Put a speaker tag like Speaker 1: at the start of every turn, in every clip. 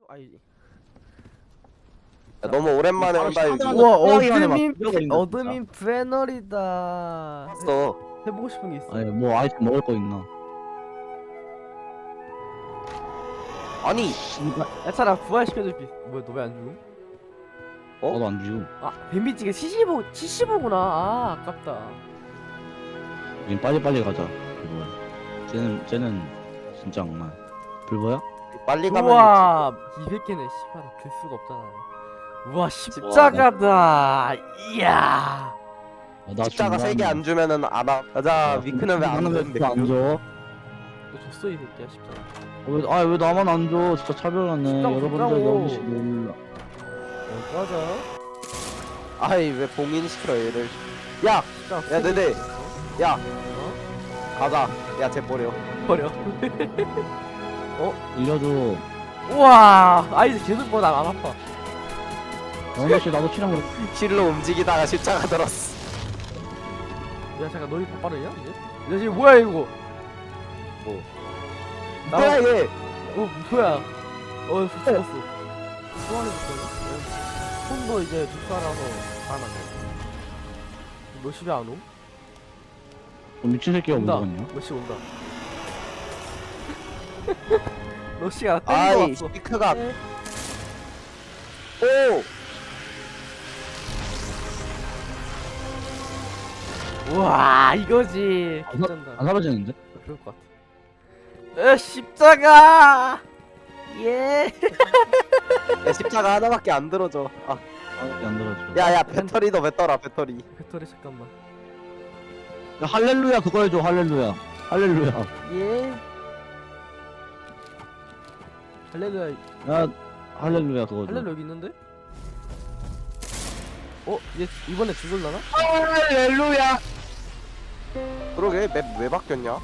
Speaker 1: 아이.
Speaker 2: 야, 너무 오랜만에 한다 여기.
Speaker 1: 우와
Speaker 3: 호랑이만에 막
Speaker 1: 어드민
Speaker 3: 들어가 있네,
Speaker 1: 어드민 브레널이다.
Speaker 2: 했어.
Speaker 1: 해보고 싶은 게 있어.
Speaker 3: 아니 뭐 아이템 먹을 거 있나?
Speaker 2: 아니
Speaker 1: 야 차라 부활시켜줄게. 뭐야 너 왜 안 죽음?
Speaker 2: 어?
Speaker 3: 나도 안 죽음.
Speaker 1: 아 뱀비찌개 75구나. 아 아깝다.
Speaker 3: 우린 빨리빨리 가자. 불보야. 쟤는 진짜 악마. 불보야?
Speaker 2: 빨리 가면
Speaker 1: 우와 200개네. 씨발 될 수가 없잖아. 우와 십자가다. 이야.
Speaker 3: 아, 나
Speaker 2: 십자가
Speaker 3: 중간-
Speaker 2: 3개 안 주면은 안 와. 가자. 위크는 왜 안
Speaker 3: 나는
Speaker 2: 되는데?
Speaker 3: 왜안 줘?
Speaker 1: 너 줬어 이 새끼야 십자가.
Speaker 3: 왜 나만 안 줘? 진짜 차별하네.
Speaker 1: 진짜
Speaker 3: 여러분들
Speaker 1: 진짜고.
Speaker 3: 너무씩 몰라.
Speaker 1: 맞아.
Speaker 2: 아이 왜 봉인시켜 얘를? 야
Speaker 1: 십자가.
Speaker 2: 야, 네네. 야
Speaker 1: 어?
Speaker 2: 가자. 야 쟤 버려.
Speaker 1: 버려.
Speaker 3: 일려줘.
Speaker 1: 우와 아이즈 계속 보다 안 아파.
Speaker 3: 영희씨 나도 치랑 그래.
Speaker 2: 실로 움직이다가 십자가 들었어.
Speaker 1: 야 잠깐 너희 더 빠르냐 이제? 야 지금 뭐야 이거?
Speaker 2: 뭐?
Speaker 1: 나
Speaker 2: 뭐야 얘?
Speaker 1: 뭐야? 죽었어. 소환해 줬어. 손도 이제 죽살아서 살아났네. 몇 시에 안 오?
Speaker 3: 미친 새끼가
Speaker 1: 온다.
Speaker 3: 뭐 먹었냐?
Speaker 1: 몇 시 온다. 몇 시가 때리고
Speaker 2: 아이
Speaker 1: 왔어.
Speaker 2: 위크가
Speaker 1: 네.
Speaker 2: 오.
Speaker 1: 우와 이거지.
Speaker 3: 안
Speaker 1: 괜찮다.
Speaker 3: 사라지는데?
Speaker 1: 그럴 것 같아. 십자가. 예.
Speaker 2: 야 십자가 하나밖에 안 들어져. 아.
Speaker 3: 안 들어줘.
Speaker 2: 야야 배터리도 왜 떠라 배터리.
Speaker 1: 배터리 잠깐만.
Speaker 3: 야, 할렐루야 그거 해줘. 할렐루야. 할렐루야.
Speaker 1: 예. 할렐루야.
Speaker 3: 야 할렐루야 그거 줘.
Speaker 1: 할렐루야 여기 있는데? 얘 이번에 죽을라나?
Speaker 2: 할렐루야. 그러게 맵 왜 바뀌었냐?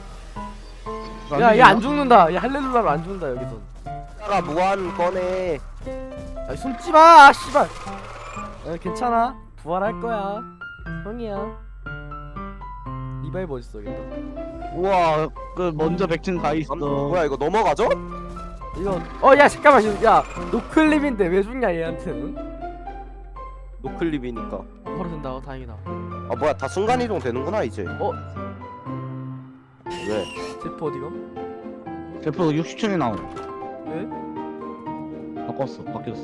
Speaker 1: 야 얘 안 죽는다. 얘 할렐루야로 안 죽는다 여기선.
Speaker 2: 십자가 무한 꺼내.
Speaker 1: 아 숨지마 씨발. 괜찮아 부활할 거야 형이야. 리바이브 어딨어 여기.
Speaker 3: 우와 그 먼저 백층 가 있어.
Speaker 2: 뭐야 이거 넘어가죠?
Speaker 1: 이거 야 잠깐만 야 노클립인데 왜 죽냐 얘한테는.
Speaker 2: 노클립이니까.
Speaker 1: 바로 된다. 다행이다.
Speaker 2: 아 뭐야 다 순간 이동 되는구나 이제. 왜?
Speaker 1: 제프 어디가?
Speaker 3: 대표 60층에 나옴.
Speaker 1: 왜?
Speaker 3: 바뀌었어.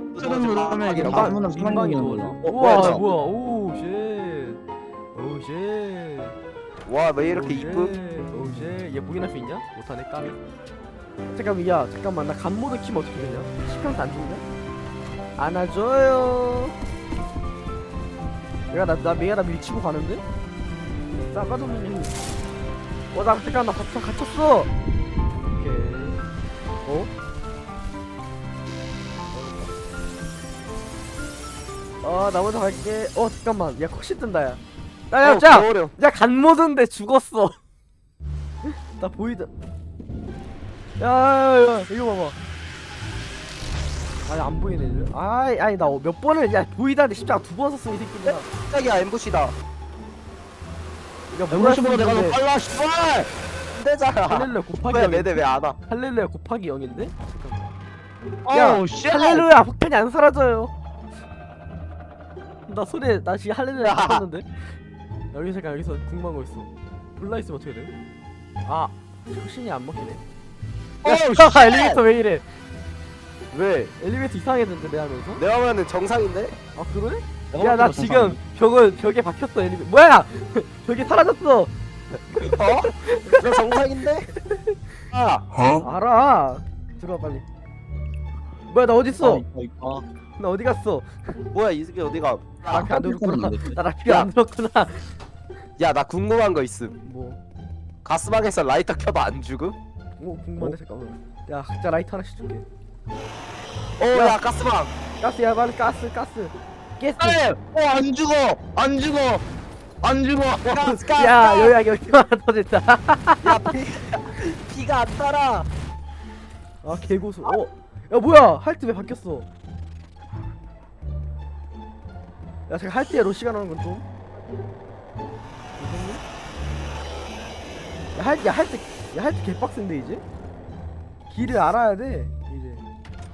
Speaker 1: 민방이 도와줘.
Speaker 2: 뭐야,
Speaker 1: 우와
Speaker 2: 이거?
Speaker 1: 뭐야 오쉣 오쉣.
Speaker 2: 와 왜 이렇게 이쁨?
Speaker 1: 오쉣. 얘 보긴 할 수 있냐? 못하네 까비. 잠깐만 야 잠깐만 나 간모드 키면 어떻게 되냐? 10평도 안 죽냐? 안아줘요. 얘가 나 밀치고 가는데? 싸가도 없는. 나 잠깐 나 갇혔어. 오케이. 나 먼저 갈게. 잠깐만. 야 컷시 뜬다 야. 야
Speaker 2: 어려.
Speaker 1: 간모드인데 죽었어. 나 보이다. 야 이거 봐봐. 아니 안 보이네 이제. 아니 나 몇 번을 야 보이다는데 십자가 2번 썼어 이 새끼들아.
Speaker 2: 깜짝이야 엠부시다.
Speaker 1: 야
Speaker 3: 엠버시보다 내가 더 빨라 씨발.
Speaker 2: 안 되잖아.
Speaker 1: 할렐루야 곱하기
Speaker 2: 왜
Speaker 1: 0인데?
Speaker 2: 내대 왜 안 와?
Speaker 1: 할렐루야 곱하기 0인데? 야,
Speaker 3: 어우 씨.
Speaker 1: 할렐루야 폭탄이 안 사라져요. 나 소리 나 지금 할렐루야
Speaker 2: 야.
Speaker 1: 쳤는데. 여기 잠깐 여기서 궁금한 거 있어. 불나 있으면 어떻게 돼? 혁신이 안 먹히네.
Speaker 2: 어우
Speaker 1: 야 엘리베이터 왜 이래?
Speaker 2: 왜?
Speaker 1: 엘리베이터 이상해졌는데 내 하면서?
Speaker 2: 내가 보면은 정상인데?
Speaker 1: 아 그래? 야 나 지금 벽에 박혔어 엘리베이터. 뭐야? 벽이 사라졌어.
Speaker 2: 어? 나 정상인데? 아
Speaker 1: 알아. 들어와 빨리. 뭐야 나 어디 있어?
Speaker 3: 이거.
Speaker 1: 나 어디 갔어?
Speaker 2: 뭐야 이 새끼 어디가?
Speaker 1: 나 라피 안 들었구나.
Speaker 3: 깜빡했네.
Speaker 1: 나 라피 안 들었구나.
Speaker 2: 야 나 궁금한 거 있음.
Speaker 1: 뭐?
Speaker 2: 가스방에서 라이터 켜도 안 죽음?
Speaker 1: 궁금한데 잠깐만. 야 각자 라이터 하나씩 줄게.
Speaker 2: 야 가스방.
Speaker 1: 가스 야 빨리 가스. 가스.
Speaker 3: 안 죽어.
Speaker 2: 가스.
Speaker 1: 야 여기 하나 더 됐다.
Speaker 2: 야 피가 안 따라.
Speaker 1: 아 개고수. 야 뭐야 할트 왜 바뀌었어? 야 잠깐 할트에 로시가 나오는 건 좀. 야 할트 개빡센데 이제? 길을 알아야 돼 이제.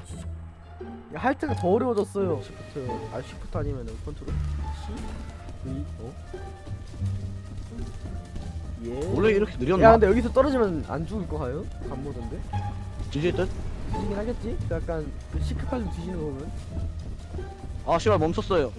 Speaker 1: 야, 할 때가 더 어려워졌어요. 시프트 아니면은 컨트롤 C V 예.
Speaker 3: 원래 이렇게
Speaker 1: 야
Speaker 3: 느렸나?
Speaker 1: 근데 여기서 떨어지면 안 죽을 거 가요? 간모던데?
Speaker 3: 뒤질 듯?
Speaker 1: 뒤지긴 하겠지? 그 약간 그 시크팔 뒤지는 거 보면.
Speaker 3: 아 씨발 멈췄어요.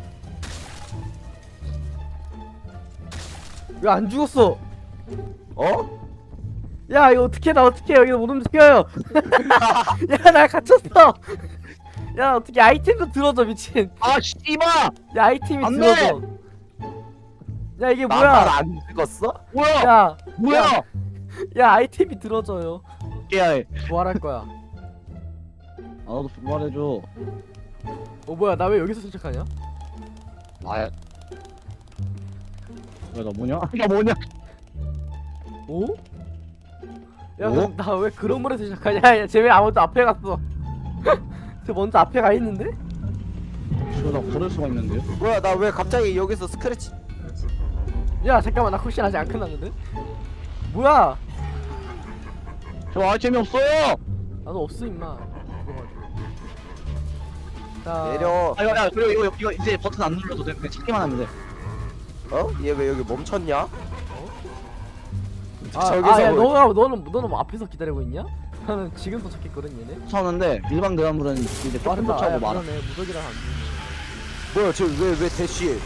Speaker 1: 왜 안 죽었어?
Speaker 2: 어?
Speaker 1: 야 이거 어떻게 나 어떻게 여기서 못 움직여요? 야 나 갇혔어. 야 어떻게 아이템도 들어줘 미친.
Speaker 3: 아 씨발!
Speaker 1: 야 아이템이
Speaker 3: 안
Speaker 1: 들어줘. 야 이게
Speaker 2: 나만
Speaker 1: 뭐야?
Speaker 2: 안 죽었어?
Speaker 3: 뭐야?
Speaker 1: 야,
Speaker 3: 뭐야?
Speaker 1: 야 아이템이 들어줘요.
Speaker 3: 깨야해.
Speaker 1: 부활할 거야.
Speaker 3: 아 너도 말해줘.
Speaker 1: 어 뭐야 나 왜 여기서 선착하냐?
Speaker 3: 아야. 야나 뭐냐? 나 뭐냐?
Speaker 1: 오? 야
Speaker 3: 오?
Speaker 1: 나 왜 그런 물에서 시작하냐? 쟤 왜 아무도 앞에 갔어? 쟤 먼저 앞에 가 있는데?
Speaker 3: 씨발 나 걸을 수가 있는데요?
Speaker 2: 뭐야 나 왜 갑자기 여기서 스크래치
Speaker 1: 야 잠깐만 나 쿠션 아직 안 끝났는데? 뭐야?
Speaker 3: 저 아이템이 없어요!
Speaker 1: 나도 없어 임마. 그거 가지고. 자
Speaker 2: 내려.
Speaker 3: 아 야 그리고 이거 이제 버튼 안 눌러도 돼. 그냥 찾기만 하면 돼.
Speaker 2: 어? 얘 왜 여기 멈췄냐?
Speaker 1: 야 너는 뭐 앞에서 기다리고 있냐? 나는 지금 도착했거든 얘네.
Speaker 3: 쫓아오는데 일반 대화물은 이제 조금
Speaker 1: 빠르다.
Speaker 3: 쫓아오고 말아.
Speaker 1: 그러네 무적이랑 안
Speaker 2: 뭐야 쟤왜 대쉬해?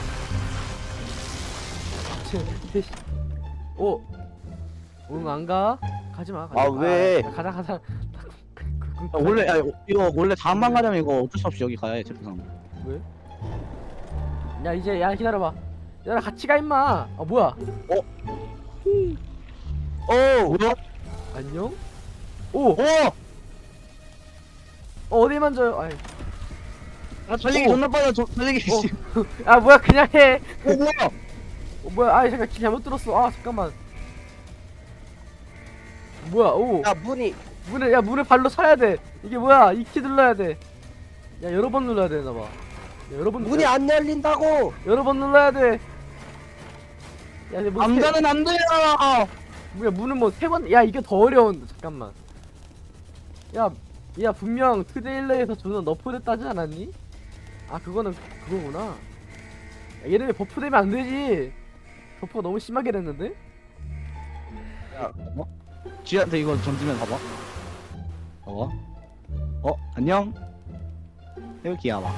Speaker 1: 돼. 오. 응 안 가? 가지 마.
Speaker 2: 아, 왜?
Speaker 1: 가자.
Speaker 3: 원래 이거 원래 다음만 가려면 이거 어쩔 수 없이 여기 가야 해 제프상.
Speaker 1: 왜? 야 이제 야 기다려봐. 야 같이 가 임마. 아 뭐야?
Speaker 2: 오!
Speaker 3: 뭐야?
Speaker 1: 안녕? 오.
Speaker 3: 오!
Speaker 1: 어디 만져요? 아이.
Speaker 3: 아 달리기
Speaker 1: 오.
Speaker 3: 존나 빨라. 달리기.
Speaker 1: 오. 아 뭐야 그냥 해.
Speaker 3: 뭐야?
Speaker 1: 뭐야? 아 잠깐 길 잘못 들었어. 아 잠깐만. 뭐야? 오.
Speaker 2: 야 문이
Speaker 1: 문을 발로 차야 돼. 이게 뭐야? 이 키 눌러야 돼. 야 여러 번 눌러야 되나 봐. 야, 여러 번
Speaker 2: 문이 안 열린다고!
Speaker 1: 여러 번 눌러야 돼. 야, 이제 뭐
Speaker 3: 남자는 안 돼요.
Speaker 1: 뭐야 문은 뭐 세 번? 야 이게 더 어려운데 잠깐만. 야 분명 트레일러에서 존나 너프됐다지 않았니? 아 그거는 그거구나. 야, 얘네 버프되면 안 되지. 버프가 너무 심하게 됐는데?
Speaker 3: 쥐한테 이거 던지면 봐봐. 안녕. 여기야 봐.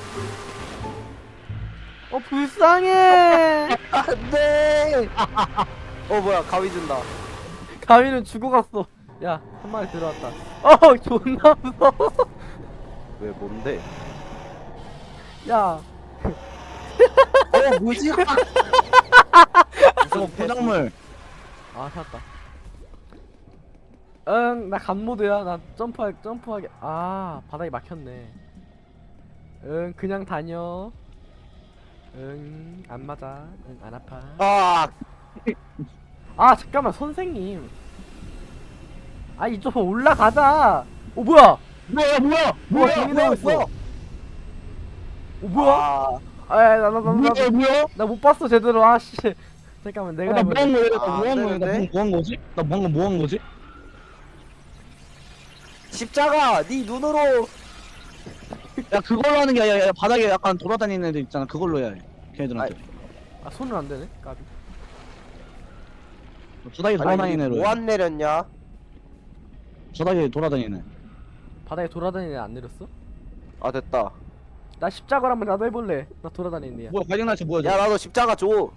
Speaker 1: 불쌍해.
Speaker 2: 안돼! 뭐야 가위 준다.
Speaker 1: 가위는 죽어갔어. 야 한 마리 들어왔다. 존나 무서워.
Speaker 2: 왜 뭔데?
Speaker 1: 야
Speaker 2: 뭐지?
Speaker 3: 저거 포장물.
Speaker 1: 아 찾았다. 응 나 간모드야. 나 점프하게. 아 바닥이 막혔네. 응 그냥 다녀. 응 안 맞아. 응 안 아파. 아 잠깐만 선생님. 아 이쪽 올라가자. 뭐야?
Speaker 3: 뭐야?
Speaker 1: 정리되고 있어. 뭐야?
Speaker 3: 뭐야?
Speaker 1: 나 못 봤어 제대로. 아씨 잠깐만 내가
Speaker 3: 나
Speaker 1: 해볼게.
Speaker 3: 뭐한 거야?
Speaker 2: 아,
Speaker 3: 나
Speaker 2: 안
Speaker 3: 뭐한 거야?
Speaker 2: 되는데?
Speaker 3: 나 뭐한 거지? 나 방금 뭐한 거지?
Speaker 2: 십자가 네 눈으로.
Speaker 3: 야 그걸로 하는 게 아니라 바닥에 약간 돌아다니는 애들 있잖아. 그걸로 해야 해. 걔네들한테.
Speaker 1: 아 손은 안 되네. 까비.
Speaker 3: 바닥에 돌아다니는 애로.
Speaker 2: 뭐안 내렸냐?
Speaker 3: 바닥에 돌아다니는 애.
Speaker 1: 바닥에 돌아다니는 애 안 내렸어?
Speaker 2: 아 됐다.
Speaker 1: 나 십자가를 한번 나도 해볼래. 나 돌아다니는 애야.
Speaker 3: 뭐야 가정날씨 뭐야?
Speaker 2: 야 나도 십자가 줘.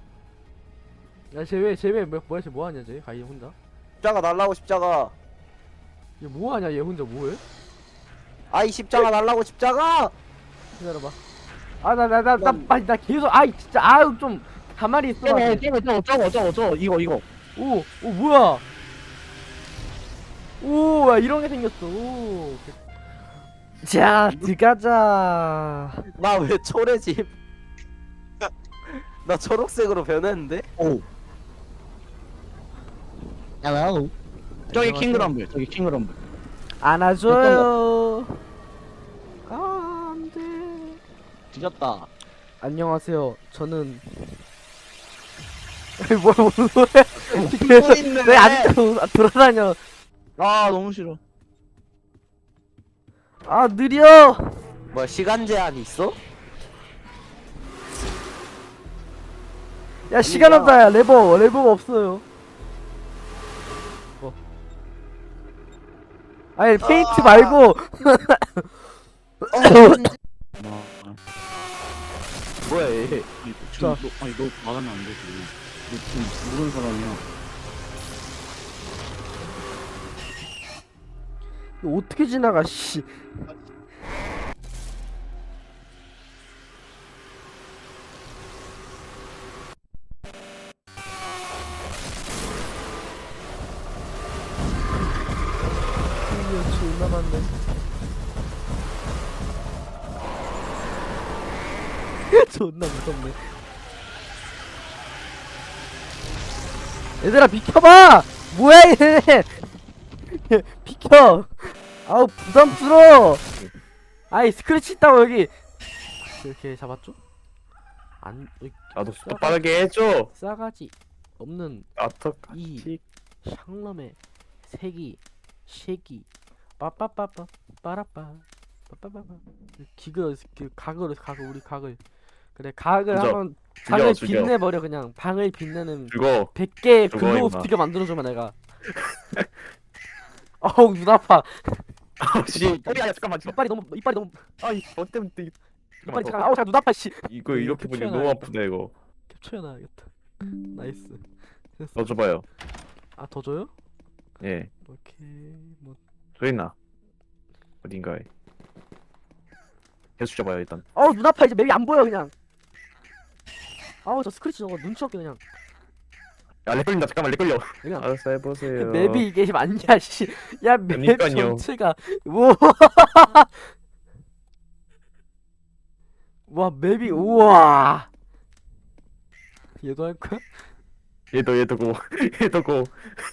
Speaker 1: 야쟤왜 뭐야 쟤 뭐하냐 쟤 가이 혼자.
Speaker 2: 십자가 달라고 십자가.
Speaker 1: 얘 뭐하냐 얘 혼자 뭐해?
Speaker 2: 아이 십자가 달라고 십자가.
Speaker 1: 기다려봐. 나 계속 아이 진짜 아유 좀 가만히 있어.
Speaker 3: 저거 이거.
Speaker 1: 오 뭐야? 오 야 이런 게 생겼어. 오. 자 들어가자.
Speaker 2: 나 왜 초래집? 나 초록색으로 변했는데?
Speaker 3: 오. 야나오. 저기
Speaker 1: 안녕하세요.
Speaker 3: 킹그럼블. 저기 킹그럼블.
Speaker 1: 안아줘요. 아 안돼.
Speaker 3: 뒤졌다.
Speaker 1: 안녕하세요. 저는 무슨 소리야?
Speaker 2: 있네.
Speaker 1: 왜안 돌아다녀?
Speaker 3: 아 너무 싫어.
Speaker 1: 아 느려.
Speaker 2: 뭐 시간 제한 있어?
Speaker 1: 야 시간 없다. 야 레버가 없어요. 아니 페인트 말고
Speaker 2: 뭐야 얘?
Speaker 3: 자, 아니 너 말하면 안 되지. 너 지금 모르는 사람이야.
Speaker 1: 이거 어떻게 지나가 씨. 존나 많네. 존나 무섭네. 얘들아 비켜봐! 뭐야 얘! 비켜! 아우 부담스러워! 아이 스크래치 있다고 여기! 이렇게 잡았죠? 안...
Speaker 4: 나도 속도 빠르게 해줘.
Speaker 1: 싸가지 없는
Speaker 4: 어떡하지?
Speaker 1: 샹럼의 색이 쉐기 빠빠빠빠 빠라빠 빠빠빠빠 기그 그 각을 우리 각을 그래 각을
Speaker 4: 죽여.
Speaker 1: 한번 방을
Speaker 4: 죽여.
Speaker 1: 빛내버려 그냥 방을 빛내는
Speaker 4: 죽어.
Speaker 1: 100개의
Speaker 4: 죽어,
Speaker 1: 글로우
Speaker 4: 임마.
Speaker 1: 스티커 만들어주면 내가 어우 눈 아파
Speaker 4: 아씨. 야 잠깐만.
Speaker 1: 이빨이 너무
Speaker 4: 아이 뭐 때문에
Speaker 1: 이빨이 잠깐 아우 잠깐 눈 아파 씨
Speaker 4: 이거 이렇게 보니
Speaker 1: 캡처해놔.
Speaker 4: 너무 아프다 이거.
Speaker 1: 캡처해놔야겠다 나이스 됐어
Speaker 4: 넣어줘봐요.
Speaker 1: 아 더 줘요?
Speaker 4: 예.
Speaker 1: 오케이 뭐
Speaker 4: 소리나. 어딘가에. 계속 줘봐요 일단.
Speaker 1: 어우 눈 아파 이제 맵이 안 보여 그냥 아우 저 스크래치 저거 눈치 없게 그냥
Speaker 4: 야 렉 걸린다. 잠깐만 렉 걸려.
Speaker 1: 그냥
Speaker 4: 알았어 해보세요.
Speaker 1: 맵이 이게 맞냐 씨야 맵
Speaker 4: 그러니까요.
Speaker 1: 전체가 우와 와 맵이 우와 얘도 할 거야?
Speaker 4: 얘도 고 얘도 고.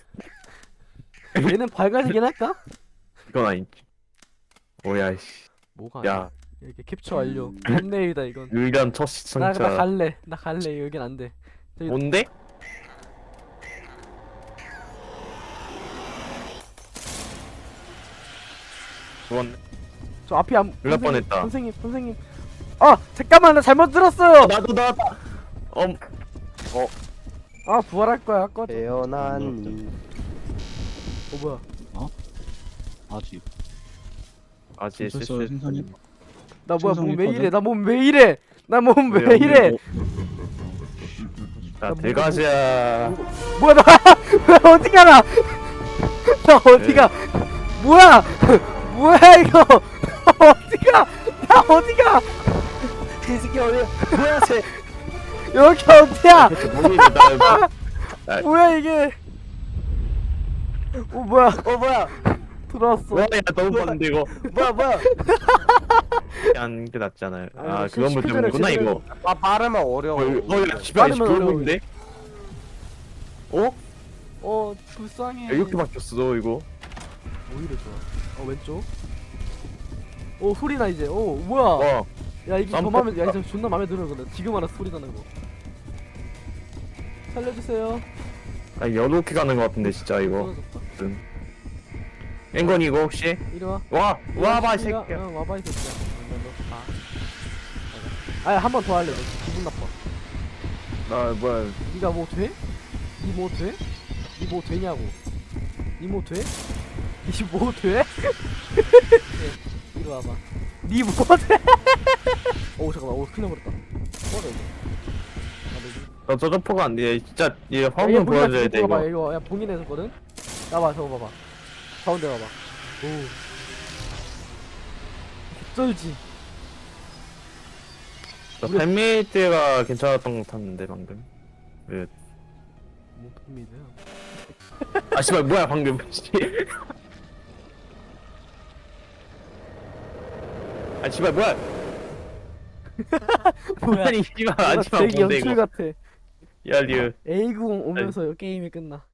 Speaker 1: 얘는 밝아지긴 할까?
Speaker 4: 이건 아니지. 오야 씨.
Speaker 1: 뭐가
Speaker 4: 야
Speaker 1: 아니야 이렇게 캡처 완료 썸네일이다 이건
Speaker 4: 의견 첫
Speaker 1: 나
Speaker 4: 시청자.
Speaker 1: 갈래 여긴 안돼
Speaker 4: 뭔데? 죽었네.
Speaker 1: 저 앞이 안
Speaker 4: 놀랄 뻔했다.
Speaker 1: 선생님 아 잠깐만 나 잘못 들었어요
Speaker 4: 나도 나왔다.
Speaker 1: 아 부활할 거야 꺼져
Speaker 2: 태어난
Speaker 1: 뭐야
Speaker 3: 아직.
Speaker 4: 아직
Speaker 3: 벌써 생선이?
Speaker 1: 나 뭐야 몸 왜
Speaker 3: 생성했거든?
Speaker 1: 이래 나 몸 왜 이래 나 몸 왜 이래
Speaker 4: 자
Speaker 1: 나
Speaker 4: 대가시야.
Speaker 1: 뭐야 나 왜 어디 가나 나 어디가 뭐야 뭐야 이거 어디가 나 어디가
Speaker 2: 이 새끼 어디야? 뭐야 쟤?
Speaker 1: 여기 어디야
Speaker 4: 나
Speaker 1: 뭐야 이게 뭐야
Speaker 2: 뭐야?
Speaker 1: 들어왔어
Speaker 4: 뭐야 너무 빠른데 이거.
Speaker 2: 뭐야?
Speaker 4: 하는 게 낫잖아요.
Speaker 1: 아니,
Speaker 4: 아
Speaker 1: 시-
Speaker 4: 그건 뭐
Speaker 1: 시키잖아,
Speaker 4: 때문이구나
Speaker 1: 시키잖아.
Speaker 4: 이거.
Speaker 2: 아 빠르면 어려워.
Speaker 4: 야 집에 아직
Speaker 1: 빠르면
Speaker 4: 보이는데? 어?
Speaker 1: 불쌍해
Speaker 4: 야, 이렇게 바뀌었어 이거.
Speaker 1: 오히려 좋아 왼쪽 소리나 이제 뭐야
Speaker 4: 와
Speaker 1: 야 이게 더
Speaker 4: 깜짝-
Speaker 1: 맘에 야 이제 존나 맘에 들어 근데 지금 알아 소리 나는 거 살려주세요
Speaker 4: 아, 이렇게 가는 것 같은데 진짜 이거.
Speaker 1: 떨어졌다.
Speaker 4: 앵건이 이거 혹시?
Speaker 1: 이리 와
Speaker 4: 와봐 이 새끼야.
Speaker 1: 응 와봐 이 새끼야 아야 한 번 더 할래 너 기분 나빠
Speaker 4: 나 뭐야?
Speaker 1: 니가 뭐 돼? 니 뭐 돼? 니 뭐 되냐고 니 뭐 돼? 니 뭐 돼? 이리 와봐 니 뭐 돼? 오 잠깐만 큰일 나버렸다 꺼져 이거
Speaker 4: 나 저저포가 안 돼. 진짜 얘
Speaker 1: 야,
Speaker 4: 화면 보여줘야 돼
Speaker 1: 봐봐
Speaker 4: 이거.
Speaker 1: 이거 야 봉인해줬거든? 나봐 저거 봐봐 가운데 봐봐 오 쩔지
Speaker 4: 나 팬메이트가 괜찮았던 것 같았는데 방금. 왜?
Speaker 1: 뭐 봅니다요
Speaker 4: 아 씨발 뭐야 방금. 아 씨발 뭐야?
Speaker 1: 뭐야
Speaker 4: 아니 씨발 아니만
Speaker 1: 되게
Speaker 4: 뭔데
Speaker 1: 연출
Speaker 4: 이거.
Speaker 1: 같아
Speaker 4: 야 리얼.
Speaker 1: A90 오면서 게임이 끝나